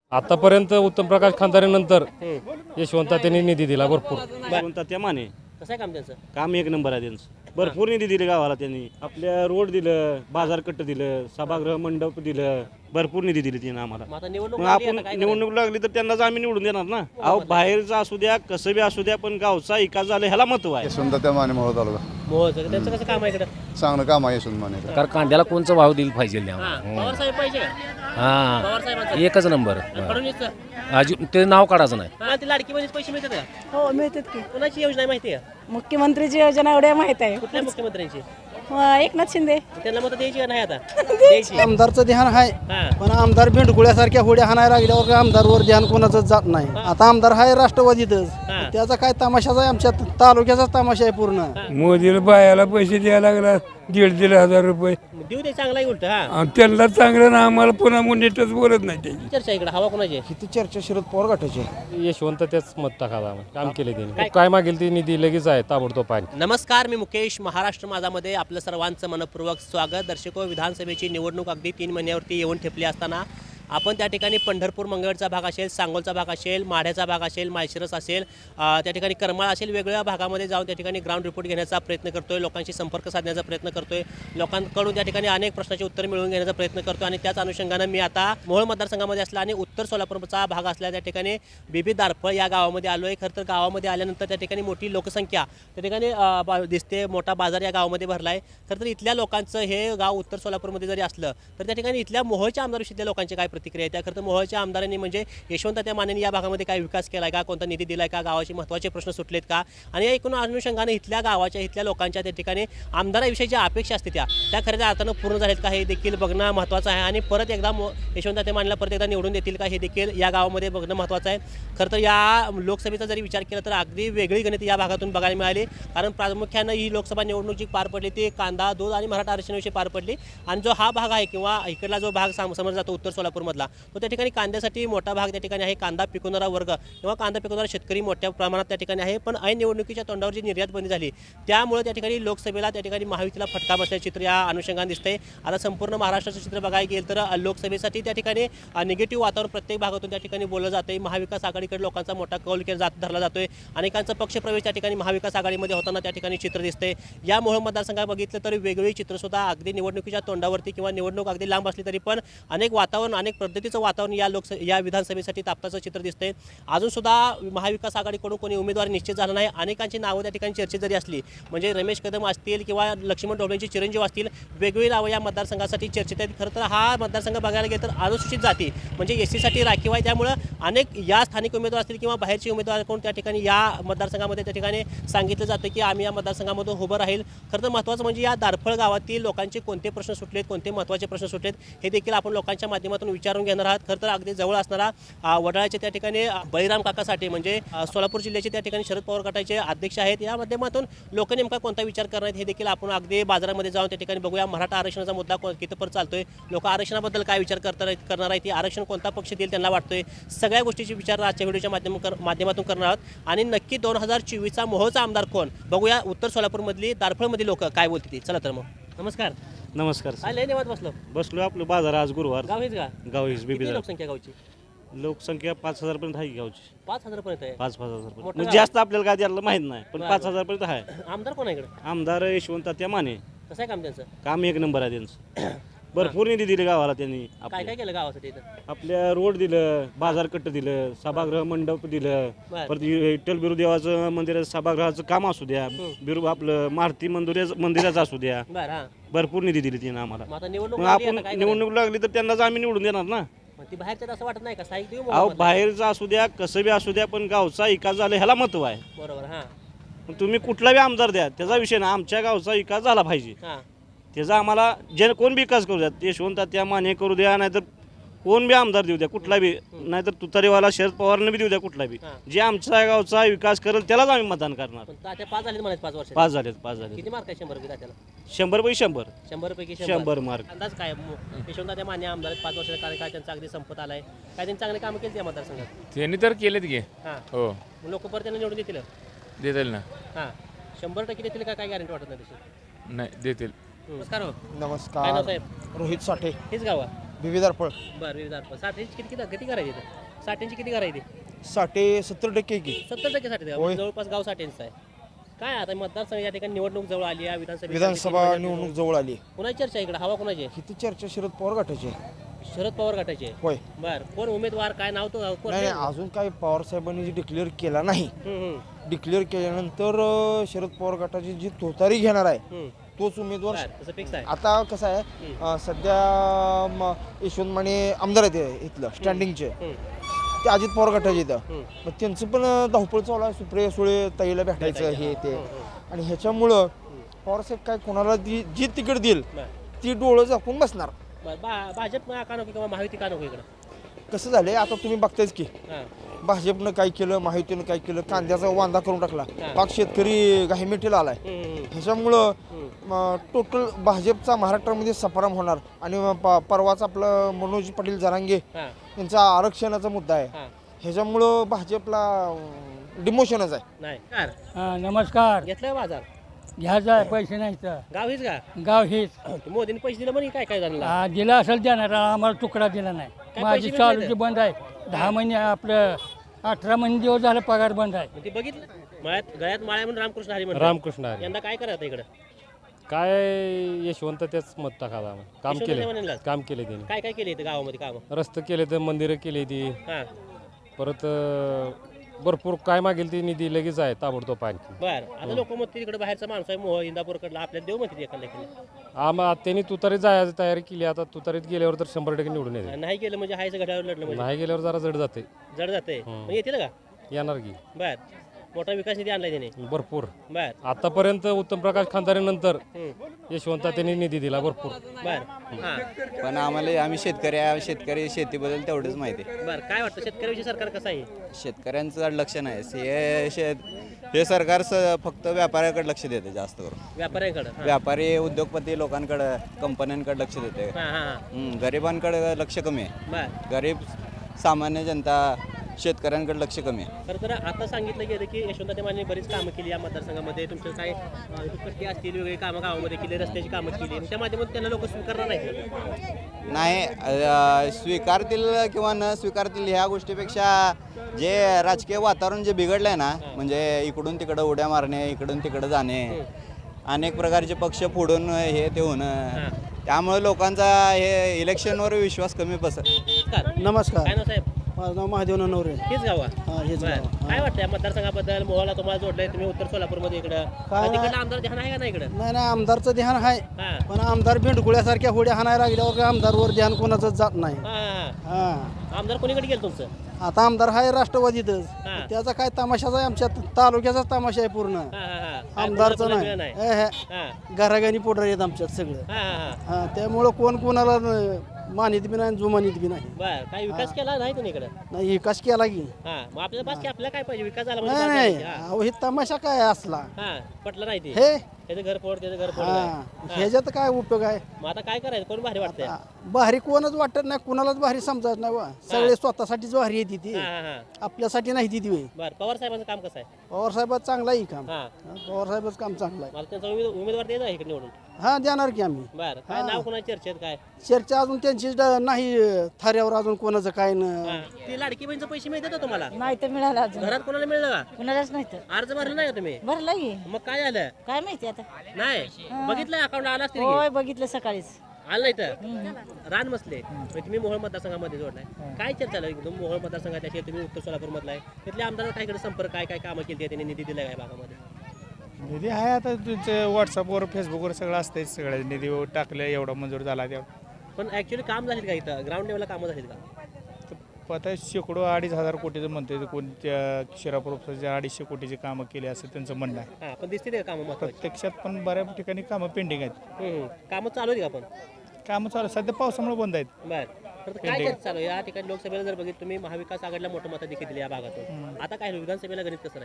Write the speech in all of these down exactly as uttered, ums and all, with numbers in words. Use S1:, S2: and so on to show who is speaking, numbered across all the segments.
S1: आतापर्यंत उत्तम प्रकाश खानदारीनंतर यशवंत त्यांनी निधी दिला भरपूर.
S2: यशवंत त्या माने
S3: कसं आहे काम त्यांचं?
S2: काम एक नंबर आहे त्यांचं. भरपूर निधी दिले गावाला त्यांनी. आपल्या रोड दिलं, बाजारकट्ट दिलं, सभागृह मंडप दिलं, भरपूर निधी दिली त्यांनी आम्हाला.
S3: मग आता निवडणूक
S2: मग
S3: लागली,
S2: आपण
S3: आता काय
S2: निवडणूक लागली तर त्यांनाच आम्ही निवडून देणार ना. अहो बाहेरचं असू द्या कसं बी असू द्या पण गावचा विकास झाला ह्याला महत्व आहे.
S4: यशवंत त्या माने मोहोळ तालुका
S3: करायचं? मोहोळचं. त्यांचं कसं काम आहे इकडं?
S4: चांगलं काम आहे यशवंत माने.
S5: कारण कांद्याला कोणचा भाव दिला पाहिजे
S3: हा, पवार साहेब पाहिजे का?
S5: हा
S3: पवार साहेबांचं
S5: एकच नंबर.
S3: फडणवीसचं?
S5: अजून ते नाव काढायचं नाही.
S3: मला ती लाडकी बहिणीचे पैसे मिळतात का?
S6: हो मिळतात की.
S3: कोणाची योजना आहे माहिती आहे?
S6: मुख्यमंत्रीची योजना एवढ्या माहित आहे.
S3: कुठल्या मुख्यमंत्र्यांची?
S6: अं, एकनाथ शिंदे.
S3: त्यांना मत द्यायची का नाही आता? द्यायची.
S7: आमदारचं ध्यान आहे
S3: हा.
S7: पण आमदार भेंडगुळ्यासारख्या होड्या हाणायला लागल्यावर आमदारवर ध्यान कोणाचं जात नाही. आता आमदार आहे राष्ट्रवादीतच.
S3: हा.
S7: त्याचा काय तमाशाच आहे आमच्या तालुक्याचाच तमाशा आहे पूर्ण.
S8: मोदीला बायाला पैसे द्यायला लागला दीड दीड हजार रुपये
S3: देऊ दे चांगला उलट. हा
S8: आणि त्यांना चांगलं ना आम्हाला पुन्हा नीटच बोलत नाही त्याची.
S3: चर्चा इकडे हवा कोणाची?
S7: किती चर्चा शरद पवार गटाची.
S1: यशवंत त्याच मत टाकायला आम्हाला. काम केले त्यांनी. काय मागेल ते निधी लगेच आहे ताबडतोब पाणी.
S3: नमस्कार, मी मुकेश. महाराष्ट्र माझामध्ये आपलं सर्वांचं मनपूर्वक स्वागत. दर्शको, विधानसभेची निवडणूक अगदी तीन महिन्यावरती येऊन ठेपली असताना आपण त्या ठिकाणी पंढरपूर मंगळचा भाग असेल, सांगोलचा भाग असेल, माढ्याचा भाग असेल, माळशिरस असेल, त्या ठिकाणी करमाळ असेल, वेगवेगळ्या भागामध्ये जाऊन त्या ठिकाणी ग्राउंड रिपोर्ट घेण्याचा प्रयत्न करतोय, लोकांशी संपर्क साधण्याचा प्रयत्न करतोय, लोकांकडून त्या ठिकाणी अनेक प्रश्नाचे उत्तर मिळवून घेण्याचा प्रयत्न करतो. आणि त्याच अनुषंगानं मी आता मोहोळ मतदारसंघामध्ये असला आणि उत्तर सोलापूरचा भाग असल्या त्या ठिकाणी बीबी दारफळ या गावामध्ये आलो आहे. खरं तर गावामध्ये आल्यानंतर त्या ठिकाणी मोठी लोकसंख्या त्या ठिकाणी दिसते. मोठा बाजार या गावामध्ये भरला आहे. खरं तर इथल्या लोकांचं हे गाव उत्तर सोलापूरमध्ये जरी असलं तर त्या ठिकाणी इथल्या मोहोळच्या आमदारविषयीतल्या लोकांची काय प्रतिक्रिया आहे? त्या खरं तर मोहोळच्या आमदारांनी म्हणजे यशवंत त्या मानेंनी या भागामध्ये काय विकास केला आहे का, कोणता निधी दिला आहे का, गावाचे महत्त्वाचे प्रश्न सुटलेत का, आणि या एकूण अनुषंगाने इथल्या गावाच्या इथल्या लोकांच्या त्या ठिकाणी आमदाराविषयी ज्या अपेक्षा असते त्या त्या खऱ्या अर्थानं पूर्ण झालेत का हे देखील बघणं महत्त्वाचं आहे. आणि परत एकदा यशवंत त्या मानेला परत एकदा निवडून देतील का हे देखील या गावामध्ये बघणं महत्त्वाचं आहे. खरं तर या लोकसभेचा जरी विचार केला तर अगदी वेगळी गणित या भागातून बघायला मिळाली. कारण प्रामुख्यानं ही लोकसभा निवडणूक जी पार पडली ती कांदा, दूध आणि मराठा आरक्षणाविषयी पार पडली. आणि जो हा भाग आहे किंवा इकडला जो भाग समजला जातो उत्तर सोलापूरमधला तो त्या ठिकाणी कांद्यासाठी मोठा भाग त्या ठिकाणी आहे. कांदा पिकवणारा वर्ग किंवा कांदा पिकवणारा शेतकरी मोठ्या प्रमाणात त्या ठिकाणी आहे. पण ऐन निवडणुकीच्या तोंडावर जी निर्यात बंदी झाली त्यामुळे त्या ठिकाणी लोकसभेला त्या ठिकाणी महायुतीला फटका बसल्याचे चित्र या अनुषंगाने दिसते. आता संपूर्ण महाराष्ट्राचं चित्र बघायला गेलं तर लोकसभेसाठी त्या ठिकाणी निगेटिव्ह वातावरण प्रत्येक भागातून त्या ठिकाणी बोललं जाते. महाविकास आघाडीकडे लोकांचा मोठा कौल केला जात धरला जातोय. अनेकांचा पक्षप्रवेश त्या ठिकाणी महाविकास आघाडीमध्ये होताना त्या ठिकाणी चित्र दिसते. या मोहोळ मतदारसंघात बघितलं तर वेगवेगळी चित्रसुद्धा अगदी निवडणुकीच्या तोंडावरती किंवा निवडणूक अगदी लांब असली तरी पण अनेक वातावरण अनेक पद्धतीचं वातावरण या लोकस या विधानसभेसाठी तापताचं चित्र दिसते. अजून सुद्धा महाविकास आघाडीकडून कोणी उमेदवार निश्चित झाला नाही. अनेकांची नावं त्या ठिकाणी चर्चेत जरी असली म्हणजे रमेश कदम असतील किंवा लक्ष्मण ढोबळेंचे चिरंजीव असतील वेगवेगळी नावं या मतदारसंघासाठी चर्चेत आहेत. खरं तर हा मतदारसंघ बघायला गेलं तर अनुसूचित जाती म्हणजे एस सीसाठी राखीव आहे. त्यामुळं अनेक या स्थानिक उमेदवार असतील किंवा बाहेरचे उमेदवार कोण त्या ठिकाणी या मतदारसंघामध्ये त्या ठिकाणी सांगितलं जातं की आम्ही या मतदारसंघामधून उभं राहील. खरं तर महत्त्वाचं म्हणजे या दारफळ गावातील लोकांचे कोणते प्रश्न सुटलेत, कोणते महत्त्वाचे प्रश्न सुटलेत हे देखील आपण लोकांच्या माध्यमातून विचारून घेणार आहात. खरं तर अगदी जवळ असणारा वडाळ्याचे त्या ठिकाणी बळीराम काकासाठी म्हणजे सोलापूर जिल्ह्याचे त्या ठिकाणी शरद पवार गटाचे अध्यक्ष आहेत. या माध्यमातून लोक नेमका कोणता विचार करणार आहेत हे देखील आपण अगदी बाजारामध्ये जाऊन त्या ठिकाणी बघूया. मराठा आरक्षणाचा मुद्दा कितपर्यंत चालतोय, लोक आरक्षणाबद्दल काय विचार करणार करणार आहेत, आरक्षण कोणता पक्ष देईल त्यांना वाटतोय, सगळ्या गोष्टीचे विचार आजच्या व्हिडिओच्या माध्यम माध्यमातून करणार आहोत. आणि नक्की दोन हजार चोवीसचा मोहोळचा आमदार कोण बघूया. उत्तर सोलापूरमधली दारफळमधली लोक काय बोलतील चला तर मग. नमस्कार.
S2: नमस्कार.
S3: काय लय निवांत बसलो
S2: बसलो आपलं बाजार आज गुरुवार.
S3: गाव हेच का?
S2: गाव हीच
S3: किती
S2: बीबी
S3: लोकसंख्या गावची?
S2: लोकसंख्या पाच हजार पर्यंत आहे गावची.
S3: पाच हजार पर्यंत आहे.
S2: पाच पाच हजार पर्यंत
S3: मोठं
S2: म्हणजे
S3: गाव.
S2: जास्त आपल्याला काय द्यायला माहित नाही पण
S3: बरं,
S2: पाच
S3: बरं.
S2: हजार पर्यंत आहे.
S3: आमदार कोण आहे इकडे?
S2: आमदार यशवंत त्या माने.
S3: कसं आहे काम त्यांचं?
S2: काम एक नंबर आहे त्यांचं. भरपूर निधी दिले गावाला त्यांनी.
S3: काय
S2: आपल्या
S3: काय केलं गावासाठी इथं?
S2: आपल्या रोड दिलं, बाजारकट्ट दिलं, सभागृह मंडप दिलं,
S3: बरं.
S2: परत विठ्ठल बिरुदेवाचं मंदिर सभागृहाचं काम असू द्या, बिरु आपलं मारुती मंदिर मंदिराचं असू द्या,
S3: बरं हां.
S2: भरपूर निधी दिली त्यांनी आम्हाला.
S3: मग आता निवडणूक
S2: मग
S3: लागली,
S2: आपण
S3: आता काय
S2: निवडणूक लागली तर त्यांनाच आम्ही निवडून देणार ना.
S3: करायचं? मग ती बाहेरच्यात असं वाटत नाही का साहित्य देऊ
S2: अहो
S3: मोहोळमधलं?
S2: बाहेरचं असू द्या कसं बी असू द्या पण गावचा विकास झाला ह्याला महत्व आहे.
S3: बरोबर हां
S2: पण तुम्ही कुठला बी आमदार द्या त्याचा विषय ना, आमच्या गावचा विकास झाला पाहिजे.
S3: हां.
S2: त्याचा आम्हाला जे कोण बी विकास करू द्या, यशवंत त्या माने करू द्या नाहीतर कोण बी आमदार देऊ द्या कुठला बी, नाहीतर तुतारीवाला शरद पवारनं बी देऊ द्या कुठला बी,
S3: हां.
S2: जे आमच्या गावचा विकास करेल त्यालाच आम्ही मतदान करणार.
S3: पण तात्या पाच झाले म्हणायचे पाच वर्ष.
S2: पाच झालेत पाच झाले
S3: किती मार्क आहे शंभर पैकी तात्याला?
S2: शंभर पैकी शंभर
S3: शंभर पैकी
S2: शंभर मार्क.
S3: अंदाज काय यशवंत त्या मान्य आमदार आहेत, पाच वर्षाचा कार्यकाळ त्यांचा अगदी संपत आलाय. काय त्यांनी चांगले कामं केली त्या मतदारसंघात?
S8: त्यांनी तर केलेत घे.
S3: हां.
S8: हो
S3: लोक परत त्यांना निवडून देतील?
S8: देतील ना.
S3: हां. शंभर टक्के देतील का काय गॅरंटी वाटत नाही तशी?
S8: नाही देतील.
S3: नमस्कार हो. काय नाव
S7: नमस्कार.
S3: साहेब?
S7: रोहित साठे.
S3: हेच गाव आहे?
S7: विविधार फळ
S3: बरं विविध साठ्यांची किती किती किती करायची इथं? साठ्यांची किती करायची
S7: साठे सत्तर टक्के की
S3: सत्तर टक्के साठे
S7: होय.
S3: जवळपास गाव साठ्यांचं आहे. काय आता मतदारसंघ या ठिकाणी निवडणूक जवळ आली आहे विधानसभा
S7: विधानसभा निवडणूक जवळ आली
S3: कुणाची चर्चा आहे इकडे हवा कुणाची आहे?
S7: किती चर्चा शरद पवार गटाची आहे.
S3: शरद पवार गटाचे
S7: होय
S3: बर कोण उमेदवार काय नाव तो कोण
S7: नाही नाही, अजून काही पवार साहेबांनी जी डिक्लेअर केला नाही
S3: हम्म, हम्म,
S7: डिक्लेअर केल्यानंतर अं, शरद पवार गटाची जी तोतारी घेणार आहे
S3: हम्म.
S7: तोच उमेदवार
S3: बर, तसं फिक्स आहे
S7: आता कसं आहे अं, सध्या म, यशवंत माने आमदार आहेत इथलं स्टँडिंगचे
S3: हम्म,
S7: ते अजित पवार गटाचे इथं
S3: हम्म.
S7: मग त्यांचं पण अं, धावपळ चालू आहे सुप्रिया सुळे ताईला भेटायचं हे ते आणि ह्याच्यामुळं पवारसाहेब काय कोणाला जी जी तिकीट देईल
S3: बर
S7: ती डोळं झाकून बसणार
S3: बर बा- भाजप का नको किंवा महायुती का नको इकडं?
S7: कसं झालंय आता तुम्ही बघतायच की
S3: हां
S7: भाजपनं काय केलं महायुतीनं काय केलं कांद्याचा वांदा करून टाकला
S3: हा.
S7: पाक शेतकरी घाईमेटीला आलाय
S3: हम्म, हम्म,
S7: ह्याच्यामुळं
S3: हम्म.
S7: टोटल भाजपचा महाराष्ट्रामध्ये सफाराम होणार आणि मग प- परवाच आपलं मनोज पाटील जरांगे
S3: हां
S7: यांचा आरक्षणाचा मुद्दा आहे
S3: हां
S7: ह्याच्यामुळं भाजपला डिमोशनच आहे
S3: नाही कार
S8: नमस्कार
S3: घेतलं का बाजार
S8: घ्यायचा आहे पैसे नाही तर
S3: गाव हीच का
S8: गाव हेच
S3: मोदीने पैसे दिले म्हणे काय काय झालं
S8: हा, दिला असेल देणार आम्हाला तुकडा दिला नाही
S3: पैसे
S8: माझी
S3: भेटले
S8: चालूची
S3: तर?
S8: बंद आहे दहा महिने आपलं अठरा महिने दिवस झालं पगार बंद आहे
S3: ते बघितलं मळ्यात गळ्यात माळ्या म्हणून रामकृष्ण हरी म्हणतात.
S1: रामकृष्ण हरी.
S3: यंदा काय करायचं इकडं
S1: काय यशवंत तेच मत टाकायला आम्हाला. काम
S3: यशवंत
S1: केले
S3: देवानेलाच?
S1: काम केले त्यांनी
S3: काय काय केले इथं गावामध्ये काम
S1: रस्ते केले तर मंदिरं केली ती
S3: हां
S1: परत अं, भरपूर काय मागेल ती निधी लगेच आहे ताबडतोब आणखी
S3: बर आता लोक म्हणते तिकडे बाहेरचा माणूस आहे मोह इंदापूरकडला आपल्याला देऊ म्हणते एखाद्या केलं
S1: आम्हा त्यांनी तुतारीत जायची तयारी केली आता तुतारीत गेल्यावर तर शंभर टक्के निवडून येते
S3: नाही केलं म्हणजे हायचं घड्यावर लढलं म्हणजे
S1: नाही गेल्यावर जरा जड जाते
S3: जड जाते मग येतील का
S1: येणार की
S3: बर मोठा विकास निधी आणलाय त्याने
S1: भरपूर
S3: बर
S1: आतापर्यंत उत्तम प्रकाश खानदारीनंतर
S3: हम्म.
S1: यशवंत त्यांनी निधी दिला भरपूर
S3: बर हां
S9: पण आम्हाला आम्ही शेतकरी आहे, शेतकरी शेतीबद्दल तेवढंच माहिती आहे.
S3: बर काय वाटतं शेतकऱ्याविषयी सरकार कसं आहे
S9: शेतकऱ्यांचं लक्ष नाही हे शेत हे सरकार स- फक्त व्यापाऱ्याकडे लक्ष देते जास्त करून
S3: व्यापाऱ्यांकडं हां
S9: व्यापारी उद्योगपती लोकांकडे कंपन्यांकडे लक्ष देते
S3: हां हां
S9: हम्म, गरिबांकडे लक्ष कमी आहे
S3: बर
S9: गरीब सामान्य जनता शेतकऱ्यांकडे लक्ष कमी आहे.
S3: खरं तर आता सांगितलं गेलं की यशवंत माने बरीच कामं केली या मतदारसंघामध्ये तुमचं काय अं, दुपट्टी असतील वेगळी कामं गावामध्ये केली रस्त्याची कामं केली आणि त्या माध्यमातून त्यांना लोक स्वीकारणार नाहीत
S9: नाही अ, स्वीकारतील किंवा न स्वीकारतील ह्या गोष्टीपेक्षा जे राजकीय वातावरण जे बिघडलं आहे ना म्हणजे इकडून तिकडं उड्या मारणे इकडून तिकडं जाणे अनेक प्रकारचे पक्ष फोडून हे ते होणं त्यामुळे लोकांचा हे इलेक्शनवर विश्वास कमी बसत
S3: नमस्कार
S7: नमस्कार
S3: काय नाव साहेब
S7: माझं नाव महादेव नवरे
S3: हेच गाव आहे?
S7: हा हेच
S3: बरं.
S7: गाव.
S3: काय वाटतं या मतदारसंघाबद्दल मोहाला तुम्हाला जोडलंय तुम्ही उत्तर सोलापूरमध्ये इकडं
S7: काय
S3: तिकडलं आमदार ध्यान आहे का नाही इकडं
S7: नाही नाही आमदारचं ध्यान आहे
S3: हा
S7: पण आमदार भेंडकुळ्यासारख्या होड्या हाणायला लागल्यावर काय आमदारवर ध्यान कोणाचं जात नाही
S3: हा, हा.
S7: हा
S3: आमदार कोणीकडे गेलं तुमचं
S7: आता आमदार आहे राष्ट्रवादीतच
S3: हा.
S7: त्याचा काय तमाशाच आहे आमच्या तालुक्याचाच तमाशा आहे पूर्ण
S3: हा, हा, हा. काय
S7: आमदारचं
S3: कोणाला
S7: नाही
S3: मिळलं
S7: हे, हे.
S3: हा
S7: घराघानी पोटर आहेत आमच्यात सगळं
S3: हा, हा, हा.
S7: हा त्यामुळं कोण कोणाला न- मानित बी नाही जुमानित बी नाही
S3: बर काय विकास केला नाही तुम्ही इकडं
S7: नाही विकास केला की
S3: हा मग आपल्याला बस की आपल्याला काय पाहिजे विकास झाला म्हणजे
S7: नाही
S3: बास
S7: नाही
S3: झाली. हा.
S7: अहो हे तमाशा काय असला
S3: हा पटलं नाही ते
S7: हे
S3: त्याचं घर फोड त्याचं घर फोड
S7: हा
S3: काय.
S7: ह्याच्यात काय उपयोग आहे
S3: मग आता काय करायचं कोण भारी वाटतंय
S7: हा, भारी कोणच वाटत नाही कुणालाच भारी समजत नाही बा. सगळे स्वतःसाठीच भारी येते ती
S3: हा हा हा
S7: आपल्यासाठी नाही ती वे
S3: बर पवार साहेबांचं काम कसं आहे
S7: पवार साहेबात चांगला आहे काम
S3: हा
S7: हा, पवार साहेबच काम चांगलं आहे
S3: मला त्यांचा उमेद- उमेदवार द्यायचा आहे इकडे निवडून
S7: हा देणार की आम्ही
S3: बर काय नाव कोणाच्या चर्चेत काय
S7: चर्चा अजून त्यांची ड- नाही थाऱ्यावर अजून कोणाचं काय न
S3: हा. ते लाडकी बहिणीचे पैसे मिळतात का तुम्हाला
S6: नाही तर मिळालं अजून
S3: घरात कोणाला मिळलं का
S6: कुणालाच नाही तर
S3: अर्ज भरला नाही का तुम्ही
S6: भरलं की
S3: मग काय झालं
S6: काय माहिती आता
S3: नाही बघितलं अकाउंट आला असतील की?
S6: होय बघितलं सकाळीच
S3: आलं नाही तर रान मसले म्हणजे तुम्ही मोहोळ मतदारसंघामध्ये जोडलाय काय चर्चा चालू आहे एकदम मोहोळ मतदारसंघात अशी तुम्ही उत्तर सोलापूर मधला आहे तिथले आमदार काय इकडे संपर्क काय काय कामं केली त्यांनी निधी दिलाय काय भागामध्ये
S10: निधी आहे आता तुमचं व्हॉट्सअपवर फेसबुकवर सगळं असतंय सगळं निधी टाकलं एवढा मंजूर झाला त्या
S3: पण ऍक्च्युली काम झालीत का इथं ग्राउंड लेवलला कामं झालीत का
S10: तर आता शेकडो अडीच हजार कोटीचं म्हणतोय कोणत्या शिरापूरच्या अडीचशे कोटीची कामं केली असं त्यांचं म्हणणं आहे
S3: हा पण दिसते का कामं महत्वाची
S10: प्रत्यक्षात पण बऱ्याच ठिकाणी कामं पेंडिंग आहेत
S3: हम्म. कामं चालू आहेत का पण
S10: कामं चालू सध्या पावसामुळे बंद आहेत
S3: बर तर काय चर्चा चालू आहे? या ठिकाणी लोकसभेला जर बघितलं तुम्ही महाविकास आघाडीला मोठं मतं देखील दिली या भागातून आता काय होईल? विधानसभेला गणित कसं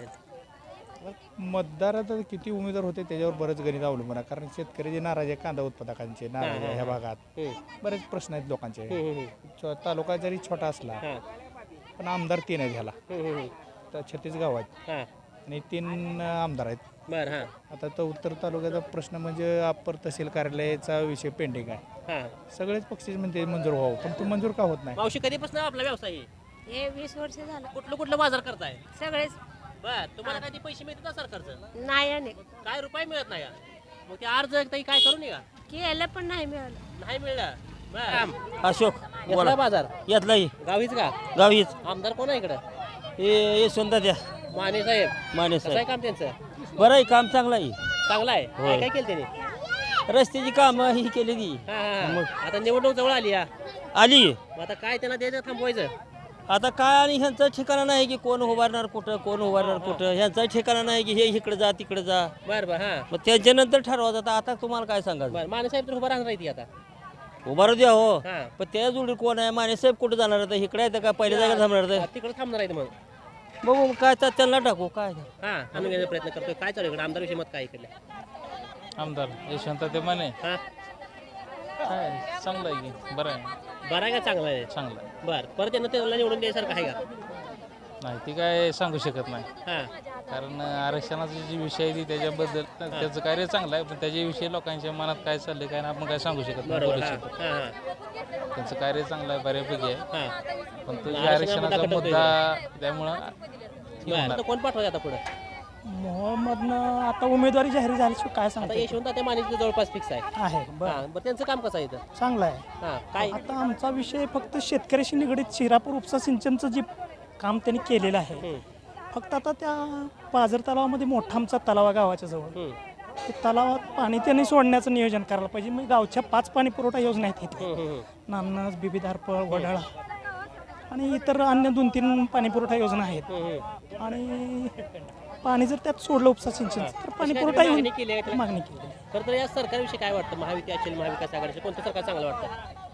S3: राहील
S10: मतदारात किती उमेदवार होते त्याच्यावर बरंच गणित अवलंबून आहे कारण शेतकरी जे नाराज आहे कांदा उत्पादकांचे नाराज आहे ह्या भागात
S3: हम्म.
S10: बरेच प्रश्न आहेत लोकांचे
S3: हम्म, हम्म,
S10: छो- तालुका जरी छोटा असला
S3: हा.
S10: पण आमदार तीन आहेत ह्याला
S3: हम्म, हम्म,
S10: तर छत्तीस गाव आहेत
S3: हा.
S10: आणि तीन आमदार आहेत
S3: बर हा
S10: आता तर उत्तर तालुक्याचा प्रश्न म्हणजे अप्पर तहसील कार्यालयाचा विषय पेंडिंग आहे
S3: हां
S10: सगळेच पक्षी म्हणते मंजूर व्हावं पण ते मंजूर का होत नाही.
S3: मावशी कधीपासून आपला व्यवसाय आहे?
S6: हे वीस वर्ष झालं
S3: कुठलं कुठलं बाजार करताय?
S6: सगळेच
S3: बर तुम्हाला कधी पैसे मिळतात ना सरकारचं?
S6: नाही आणि
S3: काय रुपये मिळत नाही का? मग ते अर्ज ताई काय करू नये का?
S6: केलं पण नाही मिळालं.
S3: नाही मिळलं बर
S2: अशोक
S3: घेतला बाजार
S2: यातलाही
S3: गावीच का?
S2: गावीच
S3: आमदार कोण आहे इकडं?
S2: हे यशवंत द्या
S3: माने साहेब
S2: माने
S3: कसं आहे काम त्यांचं?
S2: बरं आहे काम चांगलं आहे.
S3: चांगलं आहे. काय काय केलं त्यांनी?
S2: रस्त्याची कामं ही केली ती
S3: हा, हा, हा. आता निवडणूक जवळ आली या
S2: आली.
S3: मग आता काय त्यांना द्यायचं थांबवायचं?
S2: आता काय आणि ह्यांचं ठिकाणा नाही की कोण उभारणार कुठं कोण उभारणार कुठं ह्यांचा ठिकाणा नाही की हे इकडे जा तिकडे जा.
S3: बर बर हा
S2: मग त्याच्यानंतर ठरवा जातं. आता तुम्हाला काय सांगायचं
S3: बर माने साहेब तर उभा राहणार आहे ती आता.
S2: उभारू द्या हो
S3: हा
S2: पण त्या जोडी कोण आहे माने साहेब कुठे जाणार आहे इकडे येतं का पहिल्या जागा थांबणार आहे
S3: तिकडे थांबणार आहे मग.
S2: बघू मग काय तर त्यांना टाकू काय
S3: हा आणून घेण्याचा प्रयत्न करतोय. काय चालू इकडे आमदार विषयी मत काय इकडे?
S10: आमदार यशवंत ते माने
S3: हा
S10: काय चांगलं आहे की बरं आहे
S3: बरं आहे का चांगलं आहे?
S10: चांगलं आहे.
S3: बर परत त्यांना त्याला निवडून द्यायसारखं आहे का?
S10: नाही ती काय सांगू शकत नाही
S3: हा
S10: कारण आरक्षणाचा जी विषय आहे ती त्याच्याबद्दल त्याचं कार्य चांगलं आहे पण त्याच्याविषयी लोकांच्या मनात काय चाललंय काय आपण काय सांगू शकत नाही
S3: बरोबर
S10: बोलू
S3: हा
S10: शकत.
S3: हा हा
S10: त्यांचं कार्य चांगलं आहे बऱ्यापैकी आहे
S3: हा
S10: पण तो जे
S3: आरक्षणाचा
S10: आरक्षणाचा
S3: कटकटोय
S10: मुद्दा त्यामुळं
S3: बर आता कोण पाठवायचं आता पुढे?
S8: मोहम्मदनं आता उमेदवारी जाहीर झाल्याशिवाय काय
S3: आता
S8: सांगता
S3: यशवंत ते मानेचं जवळपास फिक्स आहे.
S8: आहे
S3: हा बरं त्यांचं काम कसं आहे इथं?
S8: चांगलं आहे.
S3: हा काय
S8: आता आमचा विषय फक्त शेतकऱ्याशी निगडीत शिरापूर उपसा सिंचनचं जे काम त्यांनी केलेलं आहे
S3: हम्म,
S8: फक्त आता त्या पाझर तलावामध्ये मोठा आमचा तलाव आहे गावाच्या जवळ
S3: हम्म,
S8: ते तलावात पाणी त्यांनी सोडण्याचं नियोजन करायला पाहिजे. मग गावच्या पाच पाणी पुरवठा योजना आहेत इथे
S3: हम्म, हम्म,
S8: नान्नज बिबीधारपळ वडाळा आणि इतर अन्य दोन तीन पाणी पुरवठा योजना आहेत.
S3: हम्म, हम्म.
S8: आणि पाणी जर त्यात सोडलं उपसा सिंचन तर पाणी
S3: कशी काय
S8: पुरवठा
S3: तुम्ही
S8: येऊन
S3: मागणी केली आहे त्याला?
S8: मागणी केली.
S3: खरं तर या सरकारविषयी काय वाटतं? महायुती असेल महाविकास आघाडीचे कोणतं सरकार चांगलं वाटतं?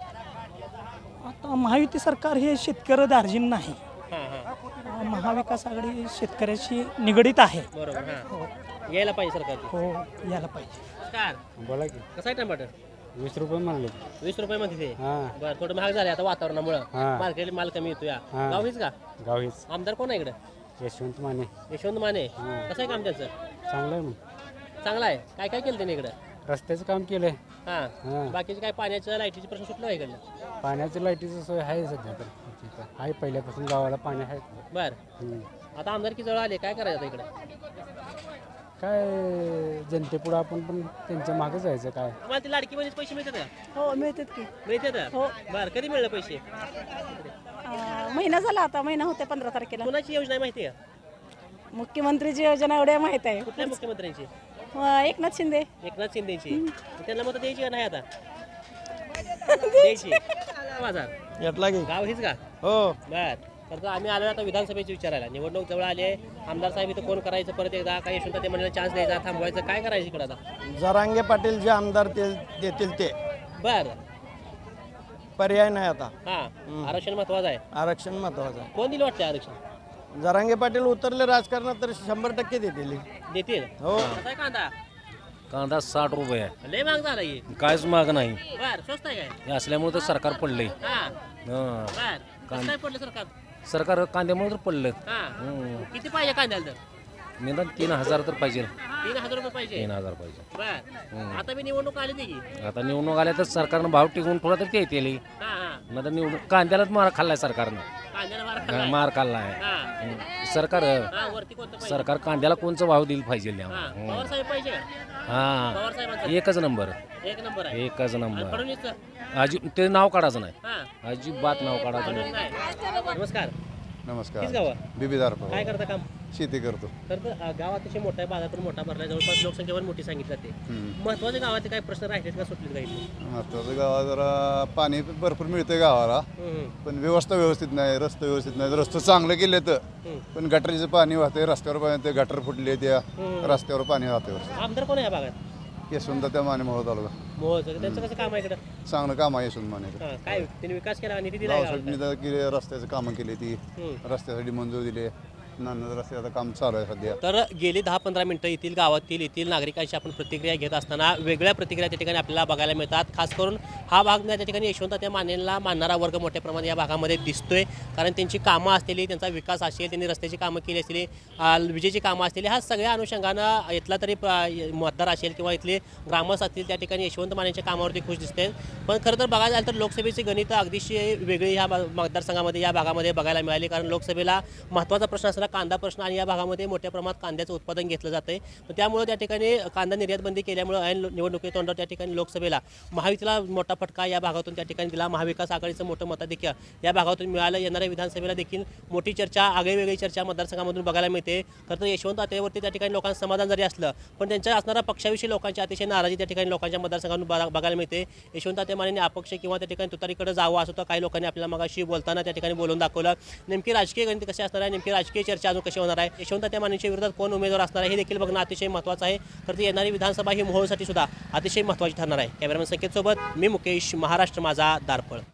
S8: आता महायुती सरकार हे शेतकरी दार्जिन नाही.
S3: हां हां
S8: महाविकास आघाडी शेतकऱ्याशी निगडीत आहे.
S3: बरोबर हां यायला पाहिजे सरकारची.
S8: हो यायला पाहिजे.
S3: नमस्कार
S1: बोला की
S3: कसं आहे टमाटर?
S1: वीस रुपये म्हणले
S3: वीस रुपये मध्ये ते
S1: हां
S3: बरं थोडं महाग झाले आता वातावरणामुळं
S1: हां.
S3: मार्केट माल कमी येतो या
S1: हां.
S3: गाव हीच का?
S1: गावीच
S3: आमदार कोण आहे इकडं?
S1: यशवंत माने
S3: यशवंत माने कसं आहे काम त्याचं?
S1: चांगलं आहे मग
S3: चांगलं आहे. काय काय केलं त्याने इकडं?
S1: रस्त्याचं काम केलंय
S3: हां
S1: हां.
S3: बाकीचे काय पाण्याचं लाईटीचे प्रश्न सुटलं आहे इकडलं?
S1: पाण्याची लाईटीची सोय आहे सध्या तर इथं. आहे पहिल्यापासून गावाला पाणी आहे
S3: बरं
S1: हम्म.
S3: आता आमदारकी जवळ आले काय करायचं आता इकडं?
S1: काय जनतेपुढं आपण पण त्यांच्या मागे जायचं काय
S3: तुम्हाला ती लाडकी बहिणीचे पैसे मिळतात का?
S6: हो मिळतात की
S3: मिळतात
S6: हो.
S3: बरं कधी मिळलं पैसे?
S6: अं, महिना झाला आता महिना होते पंधरा तारखेला.
S3: कोणाची योजना आहे माहिती आहे का?
S6: मुख्यमंत्रीची योजना एवढ्या माहित आहे.
S3: कुठल्या मुख्यमंत्र्यांची?
S6: अं, एकनाथ शिंदे.
S3: एकनाथ शिंदेची. त्यांना मत द्यायची का नाही आता? द्यायची. बाजार
S2: यातला की
S3: गाव हीच का?
S2: हो
S3: बर तर आम्ही आलो आता विधानसभेची विचारायला. निवडणूक जवळ आली आहे. आमदार साहेब इथं कोण करायचं परत एकदा काय यशवंत ते म्हणलं चान्स द्यायचा थांबवायचं काय करायचं इकडं आता?
S2: जरांगे पाटील जे आमदार ते देतील ते
S3: बर
S2: पर्याय नाही आता.
S3: हां आरक्षण महत्वाचं आहे.
S2: आरक्षण महत्वाचं आहे.
S3: कोण दिलं वाटतं आरक्षण?
S2: जरांगे पाटील उतरले राजकारणात तर शंभर टक्के देतील.
S3: देतील.
S2: हो.
S3: कसा आहे कांदा?
S5: कांदा साठ रुपये आहे.
S3: लय महाग झाला ही.
S5: काहीच माग नाही
S3: बर स्वस्त आहे काय?
S5: हे असल्यामुळे तर सरकार पडलंय.
S3: हां
S5: हं.
S3: बर कसं काय पडलं सरकार?
S5: सरकार कांद्यामुळे तर पडलं.
S3: हां
S5: हं.
S3: किती पाहिजे कांद्याला तर?
S5: निदान तीन हजार तर पाहिजे.
S3: तीन हजार रुपये पाहिजे.
S5: तीन हजार पाहिजे.
S3: बर आता मी निवडणूक आली ती की.
S5: आता निवडणूक आल्या तर सरकारनं भाव टिकवून थोडा तर ते येतील.
S3: हां हां
S5: नाही तर निवडणूक कांद्यालाच मार खाल्लाय सरकारनं.
S3: कांद्याला मार
S5: हं,
S3: खाल्लाय.
S5: मार खाल्लाय.
S3: हां
S5: हं. सरकार
S3: हां वरती कोणतं पाहिजे?
S5: सरकार कांद्याला कोणचं भाव दिलं पाहिजे
S3: हां पवार साहेब पाहिजे का?
S5: हा
S3: पवार साहेबांचं
S5: एकच नंबर
S3: एक नंबर आहे.
S5: एकच
S3: आणि
S5: नंबर
S3: फडणवीसचं?
S5: अजिब ते नाव काढायचं नाही.
S3: हां
S5: अजिबात नाव काढायचं
S3: फडणवीस
S5: नाही.
S3: नाही. नमस्कार
S4: नमस्कार
S3: हीच गाव
S4: बिबीदार
S3: काय करता काम?
S4: शेती करतो.
S3: तर तर, अ, गाव अतिशय मोठा आहे. बाजार पण मोठा भरला आहे. जवळपास लोकसंख्या पण मोठी सांगितली जाते. महत्वाच्या गावाचे काही प्रश्न राहिलेत का सुटलेत काही?
S4: महत्वाचं गावात जरा पाणी भरपूर मिळतं गावाला पण व्यवस्था व्यवस्थित नाही रस्ते व्यवस्थित नाही. रस्ते चांगलं केले तर पण गटरीचं पाणी वाहते रस्त्यावर पाणी ते गटर फुटले त्या रस्त्यावर पाणी वाहते.
S3: आमदार कोण आहे या भागात?
S4: यशवंत त्या माने मोहोळ तालुका
S3: मोहोळचं. त्यांचं कसं काम आहे इकडं?
S4: चांगलं काम आहे यशवंत माने.
S3: हां काय त्यांनी विकास केला निधी दिला
S4: गावासाठी केले रस्त्याचं कामं केली ती
S3: हम्म.
S4: रस्त्यासाठी मंजूर दिले नानद रस्त्याचं काम चालू आहे सध्या.
S3: तर गेली दहा पंधरा मिनटं येथील गावातील येथील नागरिकांची आपण प्रतिक्रिया घेत असताना वेगळ्या प्रतिक्रिया त्या ठिकाणी आपल्याला बघायला मिळतात. खास करून हा भाग त्या ठिकाणी यशवंत त्या मानेला मानणारा वर्ग मोठ्या प्रमाणात या भागामध्ये दिसतोय. कारण त्यांची कामं असलेली, त्यांचा विकास असेल, त्यांनी रस्त्याची कामं केली असलेली, विजेची कामं असलेली, हा सगळ्या अनुषंगानं इथला तरी मतदार असेल किंवा इथले ग्रामस्थ असतील त्या ठिकाणी यशवंत मानेच्या कामावरती खुश दिसते. पण खरं तर बघायला झालं तर लोकसभेची गणितं अगदीशी वेगळी ह्या मतदारसंघामध्ये या भागामध्ये बघायला मिळाली. कारण लोकसभेला महत्त्वाचा प्रश्न असलेला कांदा प्रश्न आणि या भागामध्ये मोठ्या प्रमाणात कांद्याचं उत्पादन घेतलं जातं आहे. त्यामुळे त्या ठिकाणी कांदा निर्यात बंदी केल्यामुळे ऐन निवडणुकी तोंडावर त्या ठिकाणी लोकसभेला महायुतीला मोठा फटका या भागातून त्या ठिकाणी दिला. महाविकास आघाडीचं मोठं मताधिक्य या भागातून मिळालं. येणाऱ्या विधानसभेला देखील मोठी चर्चा, आगळीवेगळी चर्चा मतदारसंघामधून बघायला मिळते. खरं तर यशवंत आत्यावरती त्या ठिकाणी लोकांचं समाधान जरी असलं पण त्यांच्या असणाऱ्या पक्षाविषयी लोकांची अतिशय नाराजी त्या ठिकाणी लोकांच्या मतदारसंघातून बघायला मिळते. यशवंत आत्या मानेंनी अपक्ष किंवा त्या ठिकाणी तुतारीकडे जावं असं तर काही लोकांनी आपल्याला मगाशी बोलताना त्या ठिकाणी बोलून दाखवलं. नेमकी राजकीय गणित कशी असणार आहे, नेमकी राजकीय चर्चा अजून कशी होणार आहे, यशवंत आत्या मानेंच्या विरोधात कोण उमेदवार असणार आहे हे देखील बघणं अतिशय महत्त्वाचं आहे. तर ती येणारी विधानसभा ही मोहोळसाठी सुद्धा अतिशय महत्त्वाची ठरणार आहे. कॅमेरामॅन संकेत सोबत मी मुकेश, महाराष्ट्र माझा, दारपळ.